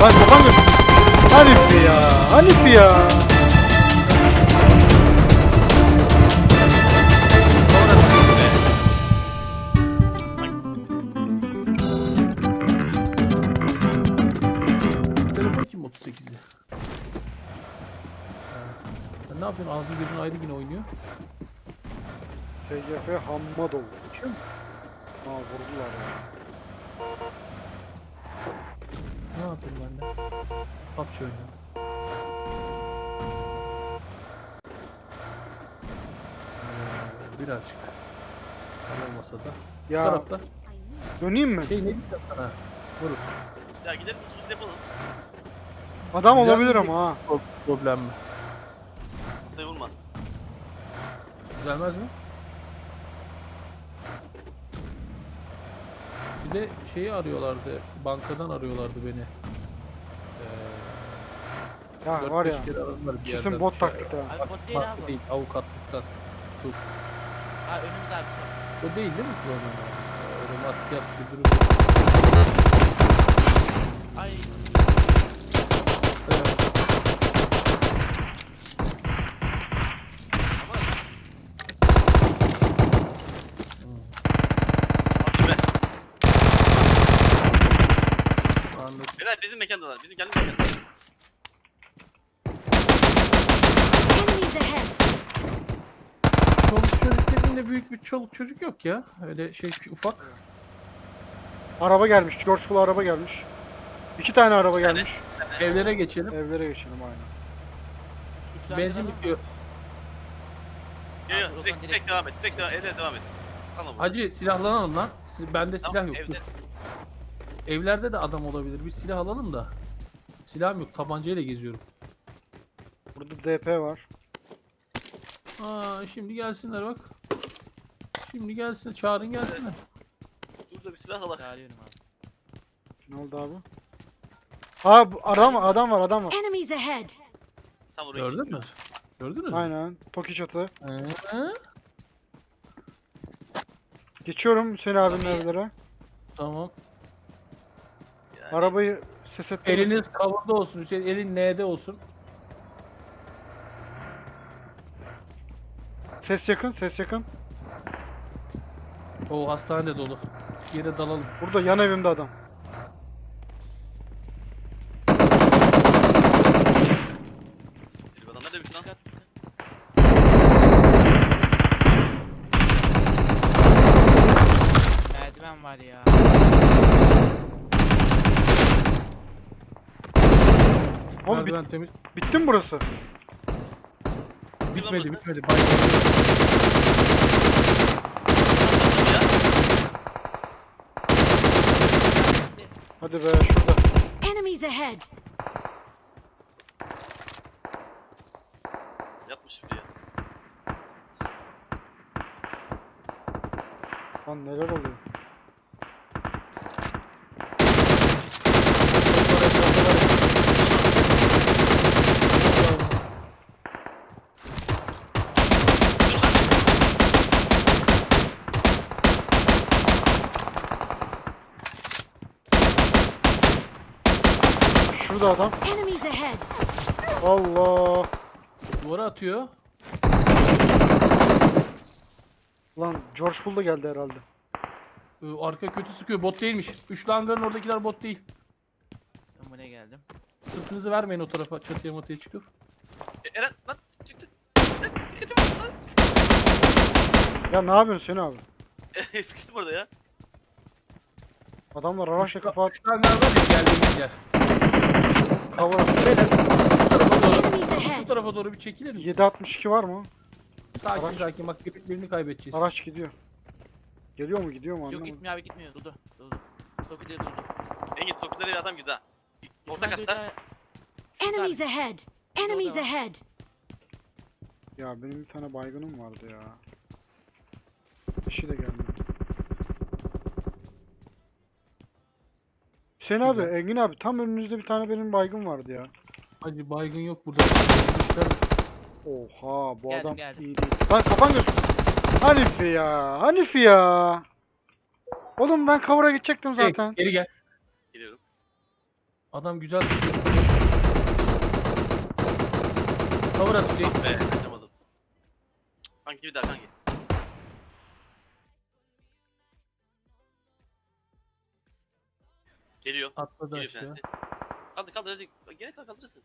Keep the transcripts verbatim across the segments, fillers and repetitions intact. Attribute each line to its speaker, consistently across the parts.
Speaker 1: Lan kafan götür. Hanifi ya. Hanifi ya.
Speaker 2: Telefon kim otuz sekizi? Sen ne yapıyorsun? Ağzın gözün ayrı yine oynuyor.
Speaker 1: T G F Hammadov.
Speaker 2: Uçuyor mu?
Speaker 1: Ha vurdular ya.
Speaker 2: Ne yapayım ben de? Kap şöyle. Ee, birazcık. Tam olmasa da. Bu
Speaker 1: Ya
Speaker 2: tarafta.
Speaker 1: döneyim mi?
Speaker 2: Şey ne diyeceğim sana? Vurun.
Speaker 3: Ya gidelim biz yapalım.
Speaker 1: Adam
Speaker 2: Güzel
Speaker 1: olabilir
Speaker 2: bir-
Speaker 1: ama ha.
Speaker 2: Pro- Problem mi?
Speaker 3: Masaya vurma.
Speaker 2: Düzelmez mi? Bir de şeyi arıyorlardı. Bankadan arıyorlardı beni. Ee,
Speaker 1: Ya
Speaker 2: dört
Speaker 1: var
Speaker 2: beş
Speaker 1: ya.
Speaker 2: kere aradılar bir
Speaker 1: Kesin
Speaker 2: yerden.
Speaker 1: bot
Speaker 2: Şey-
Speaker 1: taktik ha.
Speaker 4: Abi bot değil
Speaker 2: Farklı
Speaker 4: abi.
Speaker 2: değil, avukatlıktan.
Speaker 4: Ha önümüzde abi şu.
Speaker 2: O değil değil mi problem abi? Öyle maddiyat bir durum.
Speaker 4: Ay
Speaker 2: Evet.
Speaker 3: Ama... Bak be.
Speaker 2: Anladım.
Speaker 3: Beyler bizim mekandalar. Bizim kendi mekandalar.
Speaker 5: Enemies ahead!
Speaker 2: Çoluk çocuk dediğinde büyük bir çoluk çocuk yok ya. Öyle şey ufak.
Speaker 1: Araba gelmiş. George Bull araba gelmiş. İki tane araba
Speaker 3: İki tane.
Speaker 1: gelmiş.
Speaker 2: Evlere geçelim.
Speaker 1: Evlere geçelim aynen.
Speaker 4: üç tane
Speaker 2: Benzin
Speaker 4: araba
Speaker 2: bitiyor.
Speaker 4: var.
Speaker 3: Yo
Speaker 4: Abi,
Speaker 3: yo
Speaker 4: o
Speaker 3: direkt,
Speaker 4: zaman
Speaker 3: direkt
Speaker 4: direkt-
Speaker 3: devam et. Direkt devam, evde devam et. Tamam.
Speaker 2: Hacı silahlanalım lan. Si- Bende
Speaker 3: Tamam,
Speaker 2: silah yok.
Speaker 3: evde.
Speaker 2: Dur. Evlerde de adam olabilir. Bir silah alalım da. Silahım yok. Tabancayla geziyorum.
Speaker 1: Burada D P var.
Speaker 2: Aa şimdi gelsinler bak. Şimdi gelsin. Çağırın gelsinler.
Speaker 3: Burada bir silah alak.
Speaker 4: Çağırıyorum abi.
Speaker 1: Ne oldu abi? Ha bu adam var, adam var, adam var.
Speaker 5: Enemies ahead!
Speaker 3: Tam oraya
Speaker 2: Gördün mü?
Speaker 3: çıkıyor.
Speaker 2: Gördünüz mü?
Speaker 1: Aynen. Toki çatı.
Speaker 2: Hı?
Speaker 1: Geçiyorum Hüseyin abinin evlere.
Speaker 2: Tamam.
Speaker 3: Yani
Speaker 1: Arabayı ses ettim.
Speaker 2: Eliniz cover'da olsun Hüseyin. Elin N'de olsun.
Speaker 1: Ses yakın, ses yakın.
Speaker 2: O hastanede dolu. Yere dalalım.
Speaker 1: Burada yan evimde adam.
Speaker 3: siktir be adam ne demiş lan?
Speaker 4: Dikkat dikkat. Merdiven var ya.
Speaker 1: Oğlum bit-
Speaker 2: Merdiven temiz.
Speaker 1: bitti mi burası?
Speaker 2: Bitmedi
Speaker 3: burası.
Speaker 2: bitmedi. Bay-
Speaker 3: Ya.
Speaker 1: Hadi be şurada.
Speaker 5: Enemies ahead!
Speaker 3: Yatmış buraya.
Speaker 1: Lan neler oluyor? Şurada adam.
Speaker 5: Enemies ahead!
Speaker 1: Allah.
Speaker 2: Duvara atıyor.
Speaker 1: Lan George Bull da geldi herhalde.
Speaker 2: Ee, Arka kötü sıkıyor. Bot değilmiş. Üçlü hangarın oradakiler bot değil.
Speaker 4: Ben buraya geldim.
Speaker 2: Sırtınızı vermeyin o tarafa. Çatıya matıya çıkıp.
Speaker 3: E, Eren lan çıktı. Lan kaçamadım lan.
Speaker 1: Ya ne yapıyorsun Hüseyin abi?
Speaker 3: Sıkıştım orada ya.
Speaker 1: Adamlar araçla
Speaker 2: Üçlü-
Speaker 1: kapat.
Speaker 2: Üçlü hangar var ya geldiğimiz yer.
Speaker 1: Cover.
Speaker 2: Beyler bu tarafa doğru,
Speaker 5: Enemies
Speaker 2: bu
Speaker 5: ahead!
Speaker 2: tarafa doğru bir çekilir misiniz?
Speaker 1: yedi altmış iki var mı?
Speaker 2: Sakin
Speaker 1: araç-
Speaker 2: sakin bak bir- birini kaybedeceğiz.
Speaker 1: Araç gidiyor. Geliyor mu gidiyor mu
Speaker 4: Yok
Speaker 1: anlamadım.
Speaker 4: gitmiyor abi gitmiyor. Durdu. Durdu. Toki'de durdu.
Speaker 3: Engin topukları bir adam girdi ha. Orta
Speaker 4: Şuradan
Speaker 3: katta.
Speaker 4: duydu- Şurada
Speaker 5: Enemies
Speaker 4: abi.
Speaker 5: ahead! Enemies ahead!
Speaker 1: Ya benim bir tane baygınım vardı ya. Kişi de geldi. Hüseyin abi,
Speaker 2: Güzel.
Speaker 1: Engin abi tam önünüzde bir tane benim baygın vardı ya.
Speaker 2: Hacı baygın yok burada.
Speaker 1: Oha bu
Speaker 4: Geldim,
Speaker 1: adam
Speaker 4: geldim.
Speaker 1: iyi değil. Lan kafan göz. Hanifi ya, Hanifi ya. Oğlum ben cover'a gidecektim
Speaker 2: Şey,
Speaker 1: zaten.
Speaker 2: geri gel.
Speaker 3: Geliyorum.
Speaker 2: Adam güzel tutuyor. Cover at Hüseyin.
Speaker 3: Ah be kaçamadım. Kanki bir daha kanki. Geliyor.
Speaker 2: Atladı
Speaker 3: Geliyor
Speaker 2: aşağı.
Speaker 3: fensi. Kaldır kaldır azıcık. Gene kaldır kaldırırsın.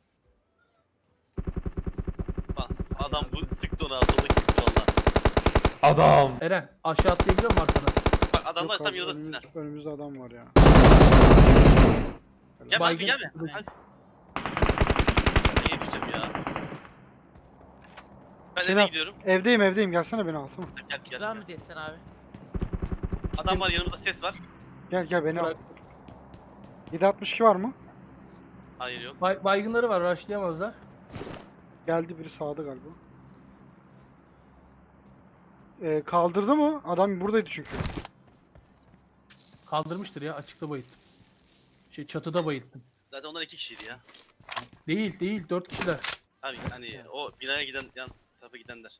Speaker 3: Bak adam bu sıktı ona soldaki sıktı valla.
Speaker 6: Adam.
Speaker 2: Eren aşağı atlayabiliyor musun arkana?
Speaker 3: Bak adamlar
Speaker 1: Yok
Speaker 3: tam
Speaker 1: abi,
Speaker 3: yanında sizin.
Speaker 1: önümüz, önümüzde adam var ya.
Speaker 3: Gel
Speaker 2: Baygın-
Speaker 3: kanki gelme. Kanki. Ben yetişeceğim ya. Ben eve
Speaker 1: Selam.
Speaker 3: gidiyorum.
Speaker 1: Evdeyim evdeyim, gelsene beni alsana.
Speaker 3: Gel gel.
Speaker 4: Güzel
Speaker 3: gel.
Speaker 4: mi desen abi?
Speaker 3: Adam var yanımda ses var.
Speaker 1: Gel gel beni al.
Speaker 2: Bırak.
Speaker 1: yedi altmış iki var mı?
Speaker 3: Hayır yok.
Speaker 2: Bay- baygınları var, rushlayamazlar.
Speaker 1: Geldi biri sağda galiba. Ee, kaldırdı mı? Adam buradaydı çünkü.
Speaker 2: Kaldırmıştır ya, açıkta bayılttım. Şey çatıda bayılttım.
Speaker 3: Zaten onlar iki kişiydi ya.
Speaker 2: Değil değil, dört kişiler.
Speaker 3: Abi hani o binaya giden yan tarafa gidenler.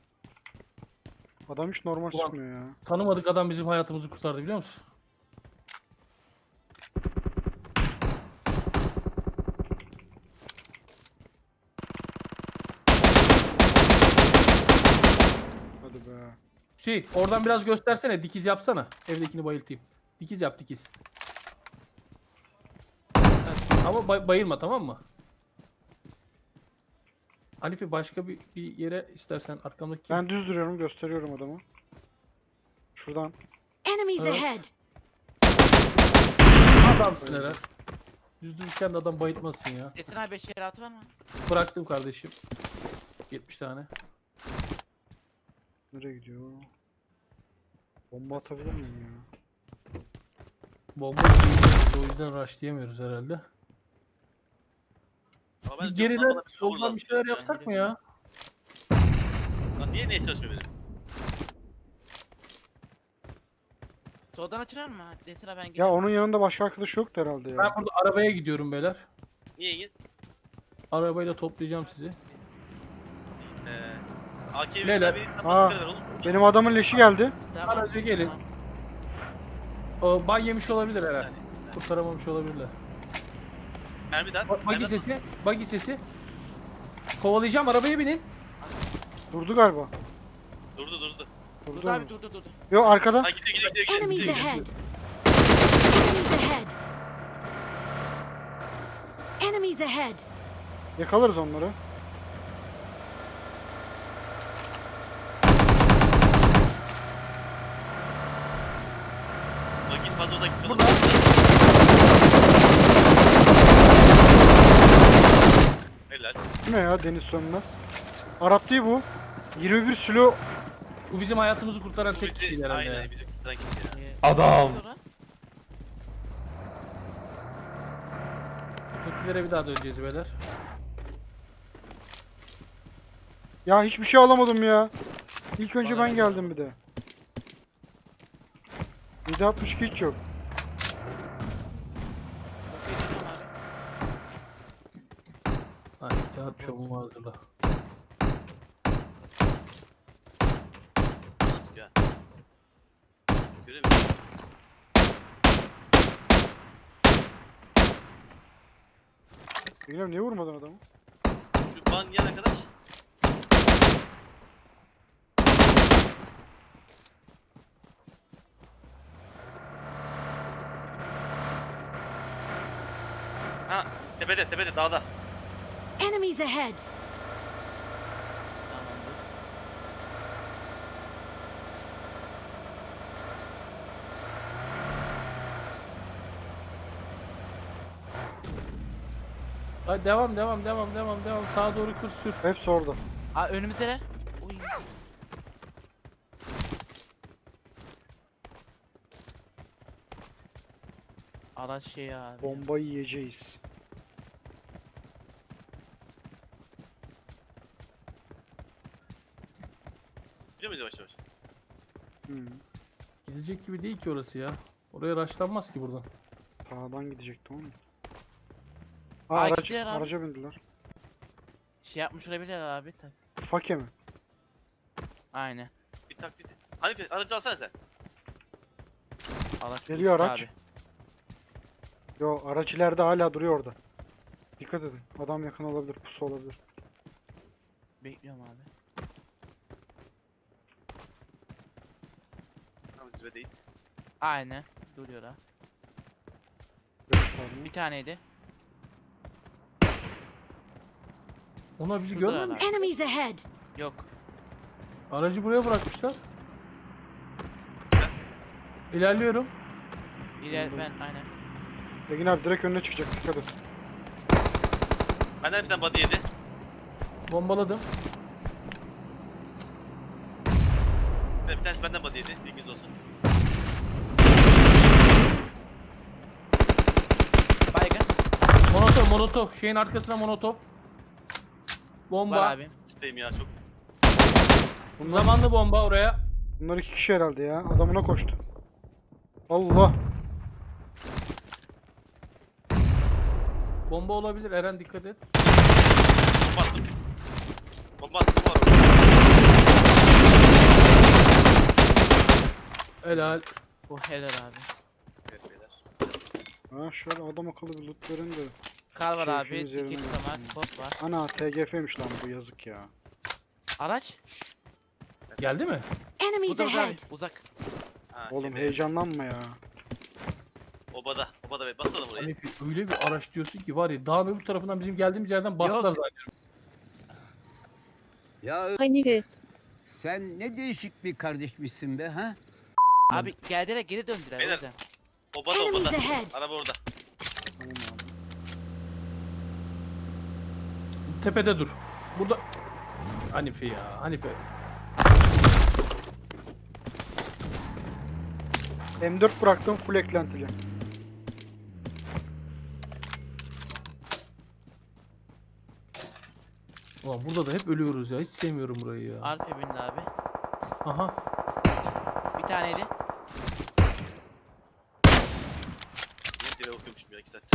Speaker 1: Adam hiç normal
Speaker 2: Ulan.
Speaker 1: çıkmıyor ya.
Speaker 2: Tanımadık adam bizim hayatımızı kurtardı biliyor musun?
Speaker 1: Hadi be.
Speaker 2: Şey, oradan biraz göstersene, dikiz yapsana. Evdekini bayıltayım. Dikiz yap, dikiz. Heh, ama bay- bayılma, tamam mı? Hanifi başka bir, bir yere istersen arkamdaki...
Speaker 1: Ben düz duruyorum, gösteriyorum adamı. Şuradan.
Speaker 5: Enemies
Speaker 2: Evet.
Speaker 5: ahead!
Speaker 2: Adamsın Eren. Düz dururken de adam bayıltmasın ya.
Speaker 4: Desen abi beş yere atı var mı?
Speaker 2: Bıraktım kardeşim. yetmiş tane.
Speaker 1: Nereye gidiyor? Bomba atabilir miyim ya?
Speaker 2: Bomba değil, o yüzden rushlayamıyoruz herhalde.
Speaker 3: Ama ben
Speaker 2: Bir
Speaker 3: diyorum,
Speaker 2: geriden
Speaker 3: bana bir cover
Speaker 2: soldan
Speaker 3: lazım
Speaker 2: bir şeyler
Speaker 3: ya.
Speaker 2: yapsak mı ya?
Speaker 3: Lan niye neye çalışmıyor benim?
Speaker 4: Soldan açılır mı? Desen abi ben
Speaker 1: Ya
Speaker 4: gidiyorum.
Speaker 1: onun yanında başka arkadaş yoktu herhalde ya.
Speaker 2: Ben burada arabaya gidiyorum beyler.
Speaker 3: Niye git?
Speaker 2: Arabayla toplayacağım sizi.
Speaker 3: Ee, A K
Speaker 2: Neler?
Speaker 3: B'yi
Speaker 1: Aa.
Speaker 3: nasıl kadar oğlum?
Speaker 1: Benim adamın leşi geldi.
Speaker 4: Tamam.
Speaker 2: Araca gelin.
Speaker 4: Tamam.
Speaker 2: O bay yemiş olabilir
Speaker 3: Bir
Speaker 2: herhalde.
Speaker 3: saniye, bir saniye.
Speaker 2: Kurtaramamış olabilirler.
Speaker 3: Mermi de at.
Speaker 2: Bagi
Speaker 3: mermi at.
Speaker 2: sesi, bagi sesi. Kovalayacağım, arabaya binin.
Speaker 1: Durdu galiba.
Speaker 3: Durdu durdu.
Speaker 1: Durdu.
Speaker 4: Durdu abi durdu durdu.
Speaker 1: Yok arkada.
Speaker 3: Ha gidiyor gidiyor gidiyor. gidiyor,
Speaker 5: Enemies
Speaker 3: gidiyor.
Speaker 5: ahead! Enemies ahead! Enemies ahead!
Speaker 1: Yakalarız onları.
Speaker 3: Bak git fazla uzak git.
Speaker 2: Burada.
Speaker 3: Helal.
Speaker 1: Bu ne ya, Deniz Sönmez? Arap değil bu. yirmi bir silo.
Speaker 2: Bu bizim hayatımızı kurtaran
Speaker 3: Bu
Speaker 2: tek kişiydi
Speaker 3: bizi,
Speaker 2: herhalde.
Speaker 3: aynen bizi kurtaran kişi ya.
Speaker 4: Ee,
Speaker 6: Adam.
Speaker 4: sonra-
Speaker 2: Ötekilere bir daha döneceğiz beyler.
Speaker 1: Ya hiçbir şey alamadım ya. İlk önce
Speaker 2: Bana
Speaker 1: ben
Speaker 2: ne
Speaker 1: geldim bir de. yedi altmış iki hiç yok.
Speaker 4: Geliyorum abi.
Speaker 2: Ha, kağıt çabuğumu hazırla.
Speaker 3: Nasıl ya? Göremiyorum.
Speaker 1: Bilmiyorum, niye vurmadın adamı?
Speaker 3: Şu ban yan arkadaş. Ha tepede tepede dağda.
Speaker 5: Enemies ahead!
Speaker 4: Tamamdır.
Speaker 2: Hadi devam devam devam devam devam. Sağa doğru kır sür.
Speaker 1: Hepsi orada.
Speaker 4: Aa önümüzdeler. Uy. Araç şey abi.
Speaker 1: Bombayı yiyeceğiz.
Speaker 3: Biliyor muyuz yavaş yavaş?
Speaker 1: Hmm.
Speaker 2: Gidecek gibi değil ki orası ya. Oraya rushlanmaz ki buradan.
Speaker 1: Sağdan gidecektim ama. Ha,
Speaker 4: Aa,
Speaker 1: araç,
Speaker 4: gittiler abi.
Speaker 1: araca bindiler.
Speaker 4: Şey yapmış olabilirler abi. Tak-
Speaker 1: Fake mi?
Speaker 4: Aynen.
Speaker 3: Bir taklit. Hanife aracı alsana sen.
Speaker 4: Araç
Speaker 1: Geliyor
Speaker 4: buluştu
Speaker 1: araç.
Speaker 4: Abi.
Speaker 1: Yo, araç ileride hala duruyor orada. Dikkat edin. Adam yakın olabilir, pusu olabilir.
Speaker 4: Bekliyorum abi.
Speaker 3: Tam zirvedeyiz.
Speaker 4: Aynen. Duruyor ha.
Speaker 1: Göstermiyor.
Speaker 4: Bir taneydi.
Speaker 2: Ona bizi
Speaker 4: Şurada
Speaker 2: görmemiş.
Speaker 4: herhalde.
Speaker 5: Enemies ahead!
Speaker 4: Yok.
Speaker 2: Aracı buraya bırakmışlar. İlerliyorum.
Speaker 4: İler ben aynen.
Speaker 1: Engin abi direkt önüne çıkacak, dikkat et.
Speaker 3: Benden bir tane body yedi.
Speaker 2: Bombaladım.
Speaker 3: Bir tanesi benden body yedi. Bilginiz olsun.
Speaker 4: Baygın.
Speaker 2: Monotop, monotop. Şeyin arkasına monotop. Bomba.
Speaker 4: Var abi.
Speaker 3: İçteyim ya çok.
Speaker 2: Zamanlı bomba oraya.
Speaker 1: Bunlar iki kişi herhalde ya. Adamına koştu. Allah.
Speaker 2: Bomba olabilir. Eren dikkat et.
Speaker 3: Bomba attım. Bomba attım. Bomba attım.
Speaker 2: Helal.
Speaker 4: Bu helal abi.
Speaker 3: Evet beyler.
Speaker 1: Ha şöyle adam akıllı bir loot verin de.
Speaker 4: Kar var abi.
Speaker 1: Keyfimiz yerine
Speaker 4: Dikik
Speaker 1: gelsin.
Speaker 4: tamar. Bot var.
Speaker 1: Ana T G F'ymiş lan bu, yazık ya.
Speaker 4: Araç.
Speaker 2: Geldi mi?
Speaker 5: Enemies
Speaker 4: Burada burada abi.
Speaker 5: ahead!
Speaker 4: Uzak.
Speaker 3: Ha,
Speaker 1: Oğlum
Speaker 3: şeyde,
Speaker 1: heyecanlanma ya.
Speaker 3: Obada. Obada be. Basalım orayı.
Speaker 2: Hani öyle bir araç diyorsun ki var ya dağın öbür tarafından bizim geldiğimiz yerden bastılar
Speaker 4: Yok.
Speaker 2: zaten.
Speaker 6: Ya
Speaker 5: Hanife.
Speaker 6: sen ne değişik bir kardeşmişsin be ha?
Speaker 4: Abi geldiler geri döndüler. O
Speaker 3: Beyler.
Speaker 4: yüzden.
Speaker 3: Obada
Speaker 5: Enemies
Speaker 3: obada.
Speaker 5: ahead!
Speaker 3: Araba orada.
Speaker 1: Tamam abi.
Speaker 2: Tepede dur. Burada Hanife ya. Hanife.
Speaker 1: M dört bıraktım, full eklentili.
Speaker 2: Ulan burada da hep ölüyoruz ya. Hiç sevmiyorum burayı ya.
Speaker 4: Arpa bindi abi.
Speaker 2: Aha.
Speaker 4: Bir taneydi.
Speaker 3: Yeni seviye okuyormuşum ya iki saat.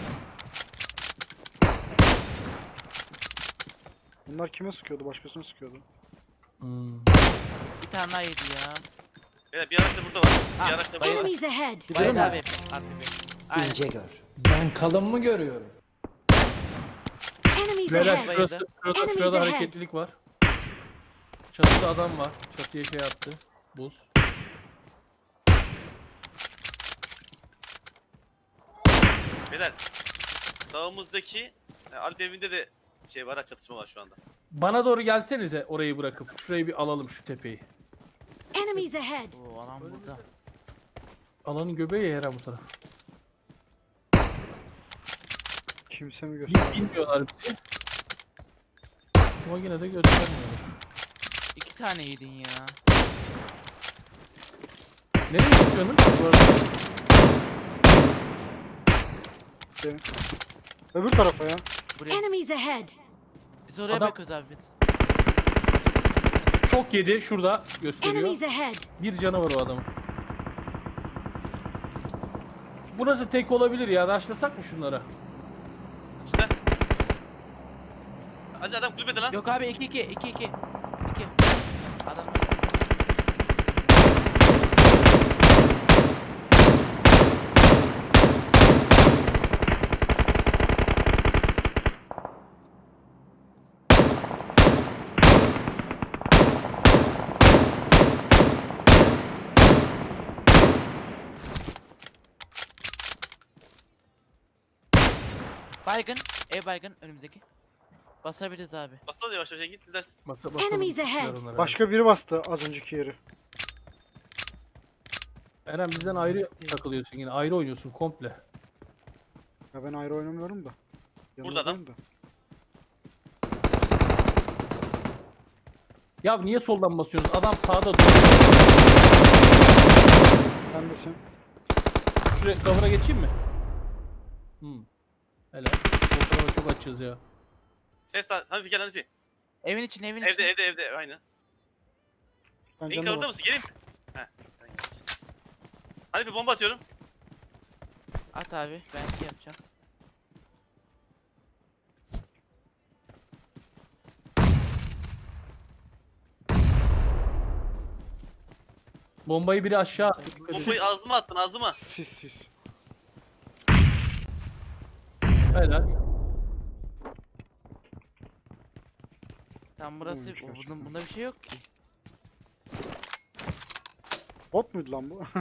Speaker 1: Bunlar kime sıkıyordu? Başkasına sıkıyordu.
Speaker 2: Hmm.
Speaker 4: Bir tane daha yedi ya.
Speaker 3: Beyler bir araç da burada var. Bir
Speaker 4: Ha,
Speaker 3: araç da burada var.
Speaker 5: Enemies ahead!
Speaker 2: Gidelim
Speaker 4: Bayıldı
Speaker 2: mi?
Speaker 4: abi. Arpa bindi. Aynen.
Speaker 7: İnce gör. Ben kalın mı görüyorum?
Speaker 5: Enemies
Speaker 2: Beyler
Speaker 5: ahead!
Speaker 2: şurası, şurada,
Speaker 5: Enemies
Speaker 2: şurada
Speaker 5: ahead.
Speaker 2: hareketlilik var. Çatıda adam var. Çatıya şey attı. Buz.
Speaker 3: Beyler. Sağımızdaki e, Alp evinde de şey var ha, çatışma var şu anda.
Speaker 2: Bana doğru gelsenize orayı bırakıp. Şurayı bir alalım şu tepeyi.
Speaker 5: Enemies ahead!
Speaker 4: Oo alan burada.
Speaker 2: Alanın göbeği ya Eren bu taraf.
Speaker 1: Kimse mi
Speaker 2: Hiç
Speaker 1: gösteriyor?
Speaker 2: bilmiyorlar bizi. Ama yine de göstermiyorlar.
Speaker 4: İki tane yedin ya.
Speaker 2: Nereye gidiyorsunuz bu arada?
Speaker 1: Şey. Öbür tarafa ya.
Speaker 4: Buraya.
Speaker 5: Enemies ahead!
Speaker 4: Biz oraya
Speaker 2: Adam-
Speaker 4: bakıyoruz abi biz.
Speaker 2: Çok yedi. Şurada gösteriyor.
Speaker 5: Enemies ahead!
Speaker 2: Bir canı var o adamın. Burası tek olabilir ya. Raşlasak mı şunlara?
Speaker 3: İşte. Hacı adam kulübede lan.
Speaker 4: Yok abi iki iki iki iki. iki. Adam. Baygın. Ev baygın önümüzdeki. Basabiliriz abi.
Speaker 3: Bassana yavaş yavaş git dersin.
Speaker 2: Basa, basalım.
Speaker 5: Enemies ahead.
Speaker 2: Onlara, onlara.
Speaker 1: Başka biri bastı az önceki yeri.
Speaker 2: Eren bizden ayrı takılıyorsun yine. Ayrı oynuyorsun komple.
Speaker 1: Ya ben ayrı oynamıyorum da.
Speaker 3: Burada adam.
Speaker 1: Yanındayım da.
Speaker 2: Ya niye soldan basıyorsunuz? Adam sağda dur.
Speaker 1: Sen desin.
Speaker 2: Şuraya kavura geçeyim mi? Hmm. Helal. Sol tarafa çok açığız ya.
Speaker 3: Ses lan. Hanifi gel Hanifi.
Speaker 4: Evin için evin
Speaker 3: Evde
Speaker 4: için.
Speaker 3: evde evde aynı.
Speaker 1: Ben
Speaker 3: İlk
Speaker 1: canına
Speaker 3: orada
Speaker 1: bak.
Speaker 3: mısın? Geleyim mi? Heh. ben geldim. Hanifi bomba atıyorum.
Speaker 4: At abi ben şey yapacağım.
Speaker 2: Bombayı biri aşağı attı. Dikkat edin.
Speaker 3: Bombayı ağzıma attın ağzıma.
Speaker 1: Sis sis.
Speaker 2: Helal.
Speaker 4: Tam burası
Speaker 1: Buymuş
Speaker 4: o,
Speaker 1: gerçekten.
Speaker 4: bunda, bunda bir şey yok ki.
Speaker 1: Bot muydu lan bu?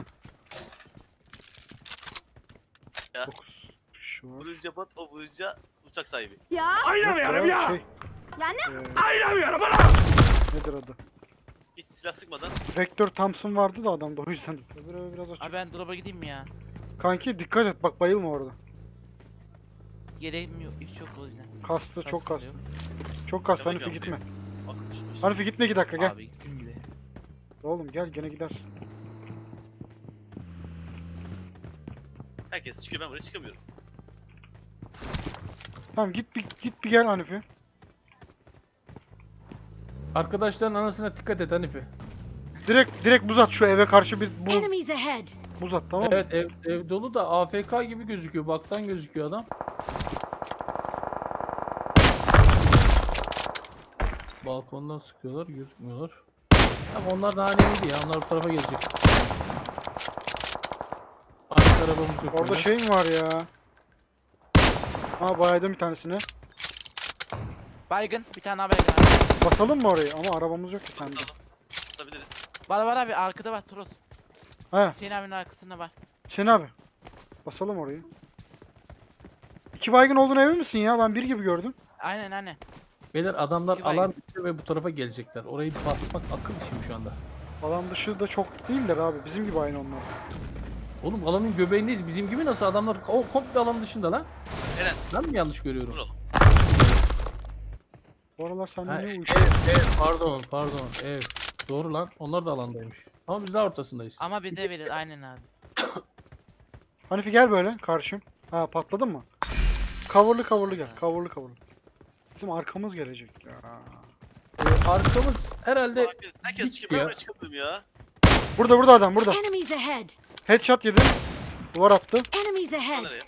Speaker 3: Ya.
Speaker 1: dokuz kişi var.
Speaker 3: Vurunca bot, o vurunca uçak sahibi.
Speaker 5: Ya.
Speaker 1: Oynamıyorum ya. Şey,
Speaker 5: Ya ne?
Speaker 1: Oynamıyorum Nedir adı?
Speaker 3: Hiç silah sıkmadan.
Speaker 1: Vektör Thompson vardı da adamda o yüzden. Öbürü biraz açık.
Speaker 4: Abi ben drop'a gideyim mi ya?
Speaker 1: Kanki dikkat et bak bayılma orada.
Speaker 4: Gereğim yok. Hiç yok o yüzden.
Speaker 1: Kastı çok
Speaker 4: Kastım da
Speaker 1: kastı.
Speaker 4: yok.
Speaker 1: Çok kastı
Speaker 3: Demek
Speaker 1: Hanifi
Speaker 3: yok.
Speaker 1: gitme.
Speaker 3: Bak düşmüş.
Speaker 1: Hanifi gitme iki dakika gel.
Speaker 4: Abi gittim bile.
Speaker 1: Oğlum gel gene gidersin.
Speaker 3: Herkes çıkıyor, ben buraya çıkamıyorum.
Speaker 1: Tamam git bir git bir gel Hanifi.
Speaker 2: Arkadaşların anasına dikkat et Hanifi.
Speaker 1: Direkt direkt buz at şu eve karşı bir bu,
Speaker 5: Enemies ahead.
Speaker 1: buz at tamam mı?
Speaker 2: Evet ev, ev dolu da A F K gibi gözüküyor. Baktan gözüküyor adam. Balkondan sıkıyorlar, gözükmüyorlar. Ama onlar da haneydi ya. Onlar bu tarafa gelecek. Arka arabamız yok.
Speaker 1: Orada
Speaker 2: böyle.
Speaker 1: şey mi var ya? Aa baydım bir tanesini.
Speaker 4: Baygın. Bir tane daha baygın abi.
Speaker 1: Basalım mı orayı? Ama arabamız yok ki sende.
Speaker 3: Basalım. Basabiliriz.
Speaker 4: Var var abi arkada var Toros.
Speaker 1: He
Speaker 4: Hüseyin abinin arkasında var.
Speaker 1: Hüseyin abi. Basalım orayı. İki baygın olduğuna emin misin ya? Ben bir gibi gördüm.
Speaker 4: Aynen aynen.
Speaker 2: Beyler adamlar
Speaker 4: İki baygın.
Speaker 2: alan dışı ve bu tarafa gelecekler. Orayı basmak akıl işim şu anda.
Speaker 1: Alan dışı da çok değiller abi. Bizim gibi aynı onlar.
Speaker 2: Oğlum alanın göbeğindeyiz. Bizim gibi nasıl adamlar o komple alan dışında lan.
Speaker 3: Eren,
Speaker 2: Ben mi yanlış görüyorum?
Speaker 3: vuralım.
Speaker 1: Bu aralar sende
Speaker 2: Ha,
Speaker 1: ne
Speaker 2: ev,
Speaker 1: uyuşuyor?
Speaker 2: ev, pardon, pardon, ev. Doğru lan, onlar da alandaymış. Ama biz daha ortasındayız.
Speaker 4: Ama bize verir aynen abi.
Speaker 1: Hanifi gel böyle karşım. Ha patladın mı? Coverlı coverlı gel. Coverlı coverlı. Bizim arkamız gelecek ya.
Speaker 2: Ee, arkamız herhalde
Speaker 3: Herkes, herkes
Speaker 2: Git
Speaker 3: çıkıyor, ben
Speaker 2: ya.
Speaker 3: buraya çıkamıyorum ya.
Speaker 1: Burada burada adam burada.
Speaker 5: Enemies ahead.
Speaker 1: Headshot yedi. Duvar attı.
Speaker 5: Enemies ahead.
Speaker 3: Nereye?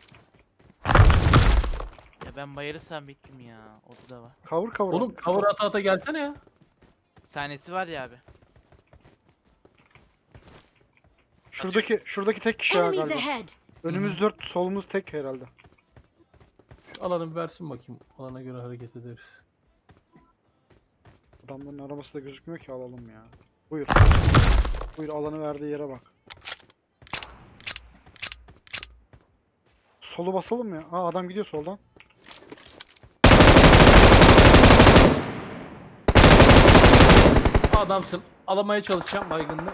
Speaker 4: Ya ben bayırırsam bittim ya. O da var.
Speaker 1: Cover cover.
Speaker 2: oğlum cover ata ata gelsene ya.
Speaker 4: Sahnesi var ya abi.
Speaker 1: Şuradaki şuradaki tek kişi ya
Speaker 5: Enemies
Speaker 1: galiba.
Speaker 5: ahead.
Speaker 1: Önümüz dört, solumuz tek herhalde.
Speaker 2: Şu alanı bir versin bakayım. Alana göre hareket ederiz.
Speaker 1: Adamların arabası da gözükmüyor ki alalım ya. Buyur. Buyur alanı verdiği yere bak. Solu basalım mı ya? Aa adam gidiyor soldan.
Speaker 2: Adamsın. Alamaya çalışacağım baygınlığı.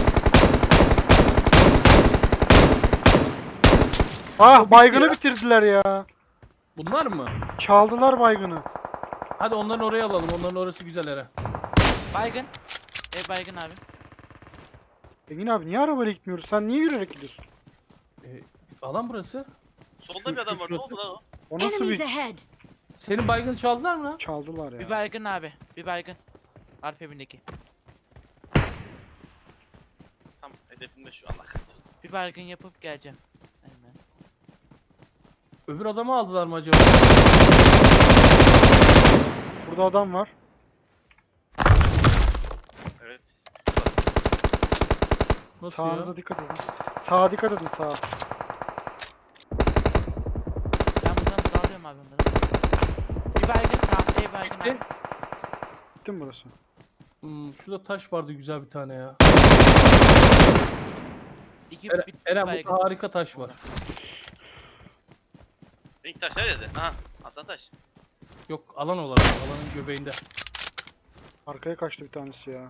Speaker 1: Ah baygını bitirdiler ya.
Speaker 2: Bunlar mı?
Speaker 1: Çaldılar baygını.
Speaker 2: Hadi onların oraya alalım. Onların orası güzel Eren.
Speaker 4: Baygın. Ev baygın abi.
Speaker 1: Engin abi niye arabayla gitmiyoruz? Sen niye yürüyerek gidiyorsun?
Speaker 2: Ee, alan burası.
Speaker 3: Solda bir adam var, ne oldu lan o?
Speaker 1: O nasıl
Speaker 5: Enemies
Speaker 1: bir
Speaker 5: ahead.
Speaker 2: Senin baygını çaldılar mı lan?
Speaker 1: çaldılar ya.
Speaker 4: Bir baygın abi. Bir baygın. Arif evindeki.
Speaker 3: Tam hedefimde şu, Allah kahretsin.
Speaker 4: Bir baygın yapıp geleceğim. Aynen.
Speaker 2: Öbür adamı aldılar mı acaba?
Speaker 1: Burada adam var.
Speaker 3: Evet.
Speaker 2: Nasıl
Speaker 1: Sağınıza
Speaker 2: ya?
Speaker 1: dikkat edin. Sağa dikkat edin sağa.
Speaker 4: Ben buradan dağılıyorum abi onlara. Bir baygın. Tamam ev baygın abi.
Speaker 2: Bitti.
Speaker 1: Bitti mi burası?
Speaker 2: Hmm, şurada taş vardı güzel bir tane ya.
Speaker 4: İki
Speaker 2: Eren,
Speaker 4: bir, bir
Speaker 2: Eren
Speaker 4: baygın.
Speaker 2: burada harika taş var.
Speaker 3: Renk taşlar yerde. Aha, aslan taş.
Speaker 2: Yok alan olarak alanın göbeğinde.
Speaker 1: Arkaya kaçtı bir tanesi ya.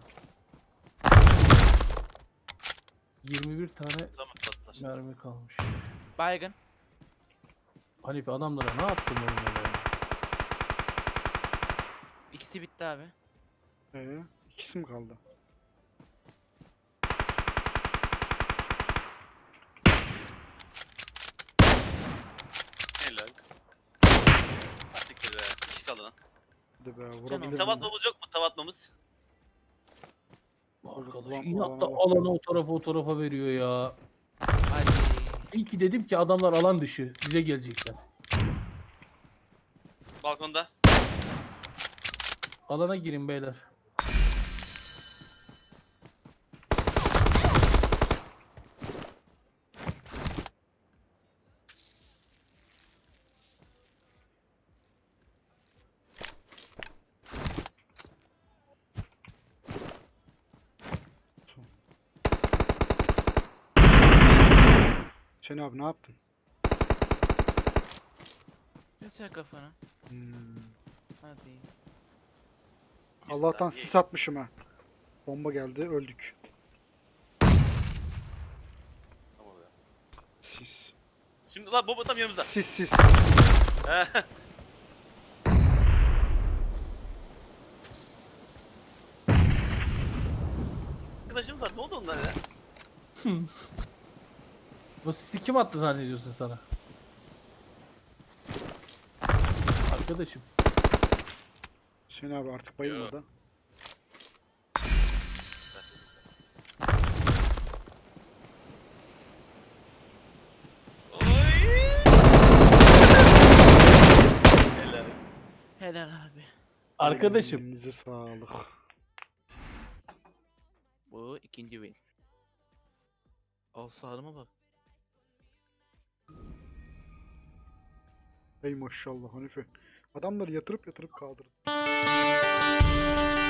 Speaker 2: yirmi bir tane
Speaker 3: Tamam, tatlılar.
Speaker 2: mermi kalmış.
Speaker 4: Baygın.
Speaker 2: Hanife adamlara ne yaptın oğlum öyle?
Speaker 4: İkisi bitti abi.
Speaker 1: Ee, ikisi mi kaldı?
Speaker 3: Helal. Siktir be. İş kaldı lan.
Speaker 1: Hadi be
Speaker 4: Canım.
Speaker 1: vurabilirim.
Speaker 3: Tav atmamız yok mu? Tav atmamız.
Speaker 2: Arkadaş
Speaker 1: Ulan,
Speaker 2: inatla
Speaker 1: alana bak.
Speaker 2: alanı o tarafa o tarafa veriyor ya.
Speaker 4: Hadi.
Speaker 2: İyi ki dedim ki adamlar alan dışı. Bize gelecekler.
Speaker 3: Balkonda.
Speaker 2: Alana girin beyler.
Speaker 1: Hüseyin abi ne yaptın?
Speaker 4: Göster kafanı.
Speaker 1: Hmm.
Speaker 4: Hadi.
Speaker 3: Bir
Speaker 1: Allah'tan
Speaker 3: saniye.
Speaker 1: sis atmışım ha. Bomba geldi öldük.
Speaker 3: Tamam ya.
Speaker 1: Sis.
Speaker 3: Şimdi lan bomba tam yanımızda.
Speaker 1: Sis sis.
Speaker 3: Arkadaşım var. Ne oldu onlar ya?
Speaker 2: Bu sisi kim attı zannediyorsun sana? Arkadaşım.
Speaker 1: Hüseyin abi artık bayılma da.
Speaker 3: Oy! Helal.
Speaker 4: Helal abi.
Speaker 2: Arkadaşım.
Speaker 1: Elinize sağlık.
Speaker 4: Bu ikinci win. Al sağlığıma bak.
Speaker 1: Ey maşallah Hanife. Adamları yatırıp yatırıp kaldırdı.